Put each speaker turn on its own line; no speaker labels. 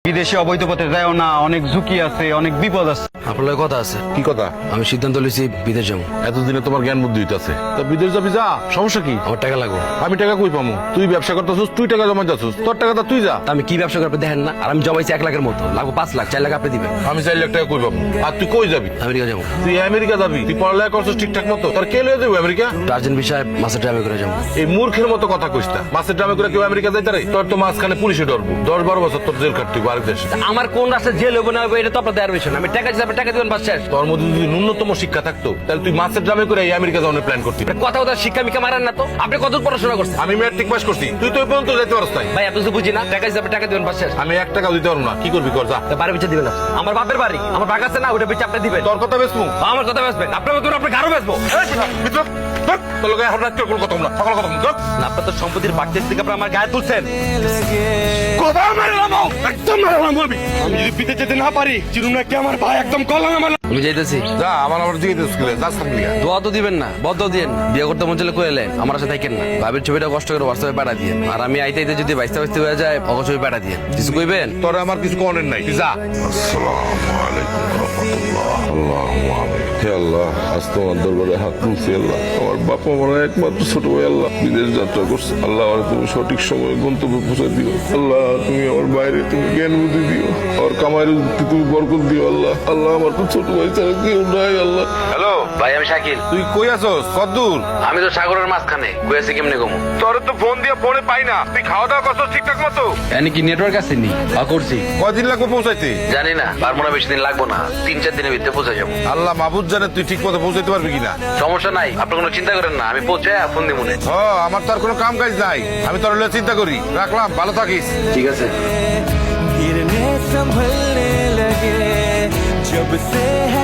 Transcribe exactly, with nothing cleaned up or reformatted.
বিদেশে অবৈধ পথে যাও না, অনেক ঝুঁকি আছে, অনেক বিপদ আছে।
আপনার কথা আছে।
কি কথা?
আমি সিদ্ধান্ত লইছি বিদেশ যাবো।
এতদিনে তোমার জ্ঞান বুদ্ধি হইতাছে, তা বিদেশ যাবি যা, সমস্যা কি?
আমার টাকা লাগবে।
আমি টাকা কই পামু? তুই ব্যবসা করতেছিস, তুই টাকা জমা যাচ্ছিস, তোর টাকাটা তুই যা।
তা আমি কি ব্যবসা করবে দেখেন না? আর আমি জমাইছি এক লাখের মতো, লাগবো পাঁচ লাখ, চার লাখ আপনি দিবেন।
আমি চার লাখ টাকা কই পাবো? আর তুই কই যাবি?
আমেরিকা যাবো।
তুই আমেরিকা যাবি? তুই পড়ালেখা করছিস ঠিকঠাক মতো, তোর কে লয়ে যাবো আমেরিকা?
টার্জেন বিষয়ে মাসের ড্রামে করে যাবো।
এই মূর্খের মতো কথা কইস না। মাছের ড্রামে করে কেউ আমেরিকা যাইতে রে? তোর তো মাঝখানে পুলিশে ডরবো, দশ বারো বছর তোর জেল খাটতে আরেক দেশে।
আমার কোন রাস্তায় জেল হবো না হবো এটা তো আপনার দেওয়ার বিষয় না। আমি টাকা হিসাবে টাকা দিবেন, বাস শেষ।
তোর মধ্যে যদি ন্যূনতম শিক্ষা থাকতো তাহলে তুই মাছের ড্রামে করে এই আমেরিকা যাওয়ার প্ল্যান করতি।
কথা কথা শিক্ষা মিক্ষা মারেন না তো। আপনি কত পড়াশোনা করছেন?
আমি ম্যাট্রিক পাস করছি, তুই তো ওই পর্যন্ত যাইতে পারস নাই।
ভাই এত কিছু বুঝি না। টাকা হিসাবে টাকা দিবেন, বাস শেষ।
আমি এক টাকাও দিতে পারবো না, কি করবি কর যা।
তা বাড়ি পিছিয়ে দিবেন না। আমার বাপের বাড়ি, আমার বাগ আছে না, ওটা পিছিয়ে আপনি দিবেন।
তোর কথা বেসমু?
আমার কথা বেসবেন, আপনার মতন আপনি গারো বেসবো।
মিত্র তোর লোক এখন রাত্রে কোনো কথা না, সকাল কথা বল।
না, আপনার তো সম্পত্তির বাড়তে থেকে আপনি আমার গায়ে তুলছেন।
কথা মারলাম, একদম মারলাম বলবি। আমি যদি পিতে যেতে না পারি, চিরুনা কি আমার ভাই একদম কলাম আমার।
আমি যাইতেছি।
যা, আমার আমার দিকে স্কুলে যাস থাকবি।
দোয়া তো দিবেন না, বদ্ধ দিন। বিয়ে করতে মন চলে কইলেন, আমার সাথে থাকেন না। ভাবির ছবিটা কষ্ট করে হোয়াটসঅ্যাপে পাঠা দিয়ে, আর আমি আইতে আইতে যদি বাইস্তা বাইস্তে হয়ে যায়, অগ ছবি পাঠা দিয়ে কিছু কইবেন।
তোর আমার কিছু কনের নাই, তুই যা। আসসালামু আলাইকুম রাহমাতুল্লাহ। আল্লাহুম্মা আমিন। হে আল্লাহ, আজ তোমার দরবারে হাত তুলছি আল্লাহ। আমার বাবা আমার একমাত্র ছোট ভাই আল্লাহ বিদেশ যাত্রা করছে। আল্লাহ আমার তুমি সঠিক সময়ে গন্তব্যে পৌঁছে দিও আল্লাহ। তুমি আমার বাইরে তুমি জ্ঞান বুদ্ধি দিও, আর কামাইয়ের তুমি বরকত দিও আল্লাহ। আল্লাহ আমার তো ছোট ভাই ছাড়া কেউ নাই আল্লাহ। হ্যালো
ভাই, আমি শাকিল।
তুই কই আছস? কদ্দূর?
আমি তো সাগরের মাঝখানে কইছি, কেমনে কমু?
তোর তো ফোন দিয়ে ফোনে পাই না। তুই খাওয়া দাওয়া করছস ঠিকঠাক মতো?
এনে কি নেটওয়ার্ক আছে নি? আ করছি।
কয়দিন লাগবে পৌঁছাইতে?
জানি না, পারবো না, বেশি দিন লাগবো না। তিন চার দিনের ভিতরে পৌঁছে যাবো।
আল্লাহ মাহবুব জানে তুই ঠিক মতো পৌঁছাইতে পারবি কিনা।
সমস্যা নাই, আপনি কোনো চিন্তা করেন না। আমি পৌঁছে ফোন দিব মনে।
ও, আমার তো আর কোনো কাম কাজ নাই, আমি তোর হলে চিন্তা করি। রাখলাম, ভালো থাকিস।
ঠিক আছে।
गिरने संभलने लगे जब से है